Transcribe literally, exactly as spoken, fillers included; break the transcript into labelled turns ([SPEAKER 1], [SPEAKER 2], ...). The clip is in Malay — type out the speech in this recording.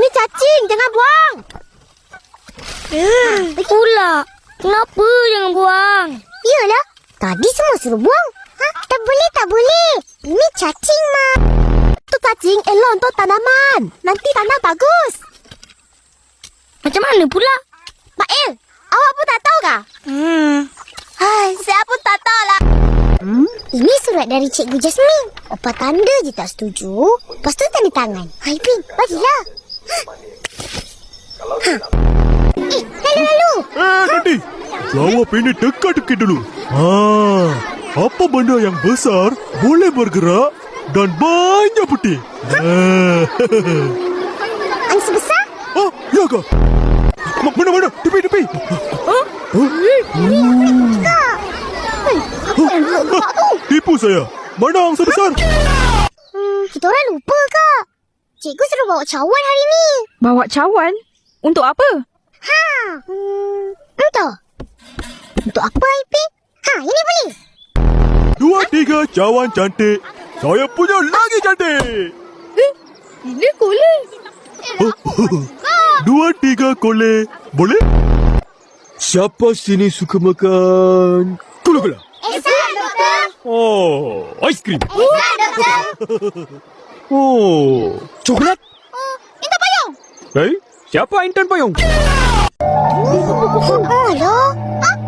[SPEAKER 1] Ini cacing, jangan buang.
[SPEAKER 2] Eh, pula. Kenapa jangan buang?
[SPEAKER 1] Iyalah, tadi semua suruh buang. Ha? Tak boleh, tak boleh. Ini cacing, Ma. Tu cacing elok untuk tanaman. Nanti tanam bagus.
[SPEAKER 2] Macam mana pula?
[SPEAKER 1] Mak El, awak pun tak tahu kah?
[SPEAKER 2] Hmm.
[SPEAKER 1] Hai, saya pun tak tahu lah. Hmm? Ini surat dari Cikgu Jasmine. Opa tanda je tak setuju. Lepas tu tanda tangan. Hai, Pin, bagilah. Ha. Eh, lalu, lalu.
[SPEAKER 3] Eh, nanti. Jawab ini dekat-dekat dulu. Ah, apa benda yang besar, boleh bergerak dan banyak putih? Ah,
[SPEAKER 1] Angsa besar?
[SPEAKER 3] ah ya ke? Ma- Mana-mana? Tepi, tepi.
[SPEAKER 2] Huh?
[SPEAKER 1] Kak. Hei, apa yang gelap gerak tu?
[SPEAKER 3] Tipu saya. Mana angsa besar?
[SPEAKER 1] Hmm, kita orang lupa, Kak. Cikgu suruh bawa cawan hari ni.
[SPEAKER 2] Bawa cawan? Untuk apa?
[SPEAKER 1] Ha, hmm, entah. Untuk apa, Ipin? Ha, ini boleh.
[SPEAKER 3] Dua, tiga, cawan cantik. Saya punya lagi cantik.
[SPEAKER 2] Eh, ini boleh.
[SPEAKER 3] Dua, tiga, kole. Boleh? Siapa sini suka makan gula-gula?
[SPEAKER 1] Esok, Doktor.
[SPEAKER 3] Oh, aiskrim.
[SPEAKER 1] Esok, Doktor.
[SPEAKER 3] Oh, coklat.
[SPEAKER 1] Oh, minta payung.
[SPEAKER 3] Baik, siapa intan payung?
[SPEAKER 1] Oh, alah. Ah,